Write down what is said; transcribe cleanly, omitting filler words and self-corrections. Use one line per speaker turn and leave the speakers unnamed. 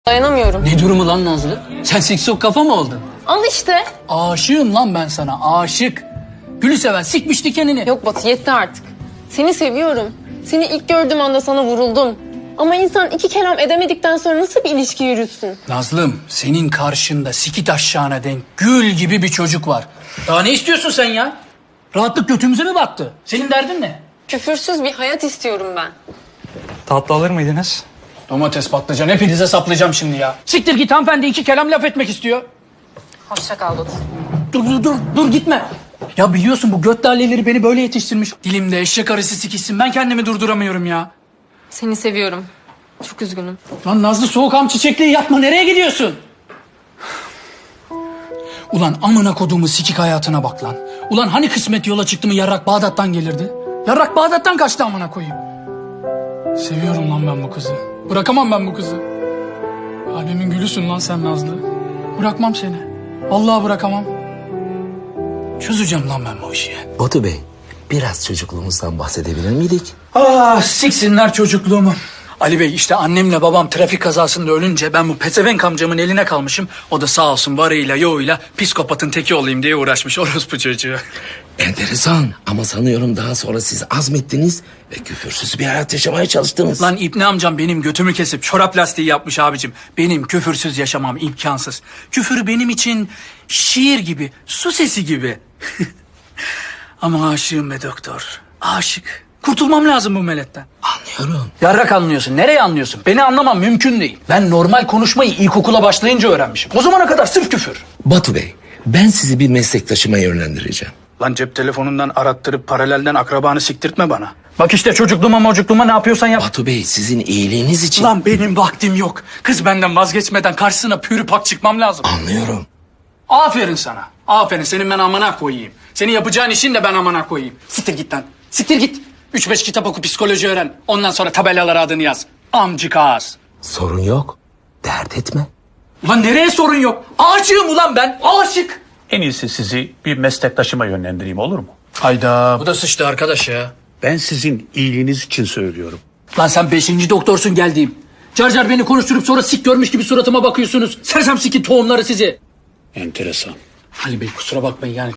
Dayanamıyorum.
Ne durumu lan Nazlı? Sen siksok kafa mı oldun?
Al işte.
Aşığım lan ben sana, aşık. Gülü seven sikmiş dikenini.
Yok Batu, yetti artık. Seni seviyorum. Seni ilk gördüğüm anda sana vuruldum. Ama insan iki kelam edemedikten sonra nasıl bir ilişki yürütsün?
Nazlım, senin karşında sikit aşağına denk gül gibi bir çocuk var. Daha ne istiyorsun sen ya? Rahatlık götümüze mi battı? Senin derdin ne?
Küfürsüz bir hayat istiyorum ben.
Tatlı alır mıydınız?
Domates, patlıcan hepinize saplayacağım şimdi ya. Siktir git, hanımefendi iki kelam laf etmek istiyor.
Hoşça kal Batu.
Dur gitme. Ya biliyorsun bu göt dalleleri beni böyle yetiştirmiş. Dilimde eşek arısı sikişsin, ben kendimi durduramıyorum ya.
Seni seviyorum. Çok üzgünüm.
Lan Nazlı, soğukam çiçekliği yapma, nereye gidiyorsun? Ulan amına koduğumu sikik hayatına bak lan. Ulan hani kısmet yola çıktı mı yarrak Bağdat'tan gelirdi? Yarrak Bağdat'tan kaçtı amına koyayım. Seviyorum lan ben bu kızı. Bırakamam ben bu kızı. Kalbimin gülüsün lan sen Nazlı. Bırakmam seni. Vallahi bırakamam. Çözeceğim lan ben bu işi.
Batu Bey, biraz çocukluğumuzdan bahsedebilir miydik?
Ah, siksinler çocukluğumu. Ali Bey, işte annemle babam trafik kazasında ölünce ben bu pezevenk amcamın eline kalmışım. O da sağ olsun varıyla yoğuyla psikopatın teki olayım diye uğraşmış orospu çocuğu.
Enteresan ama sanıyorum daha sonra siz azmettiniz ve küfürsüz bir hayat yaşamaya çalıştınız.
Lan İbni amcam benim götümü kesip çorap lastiği yapmış abicim. Benim küfürsüz yaşamam imkansız. Küfür benim için şiir gibi, su sesi gibi. Ama aşığım be doktor, aşık. Kurtulmam lazım bu meletten.
Anlıyorum.
Yarrak anlıyorsun. Nereye anlıyorsun? Beni anlamam mümkün değil. Ben normal konuşmayı ilkokula başlayınca öğrenmişim. O zamana kadar sırf küfür.
Batu Bey, ben sizi bir meslektaşıma yönlendireceğim.
Lan cep telefonundan arattırıp paralelden akrabanı siktirtme bana. Bak işte çocukluğuma ne yapıyorsan yap.
Batu Bey, sizin iyiliğiniz için...
Lan benim vaktim yok. Kız benden vazgeçmeden karşısına pürü pak çıkmam lazım.
Anlıyorum.
Aferin sana. Aferin, senin ben amana koyayım. Senin yapacağın işin de ben amana koyayım. Siktir git lan. Siktir git. 3-5 kitap oku, psikoloji öğren. Ondan sonra tabelalara adını yaz. Amcık ağız.
Sorun yok. Dert etme.
Ulan nereye sorun yok? Aşığım ulan ben. Aşık.
En iyisi sizi bir meslektaşıma yönlendireyim, olur mu?
Hayda. Bu da sıçtı arkadaş ya.
Ben sizin iyiliğiniz için söylüyorum.
Lan sen 5. doktorsun geldiğim. Car beni konuşturup sonra sik görmüş gibi suratıma bakıyorsunuz. Sersem sikin tohumları sizi.
Enteresan.
Ali Bey kusura bakmayın yani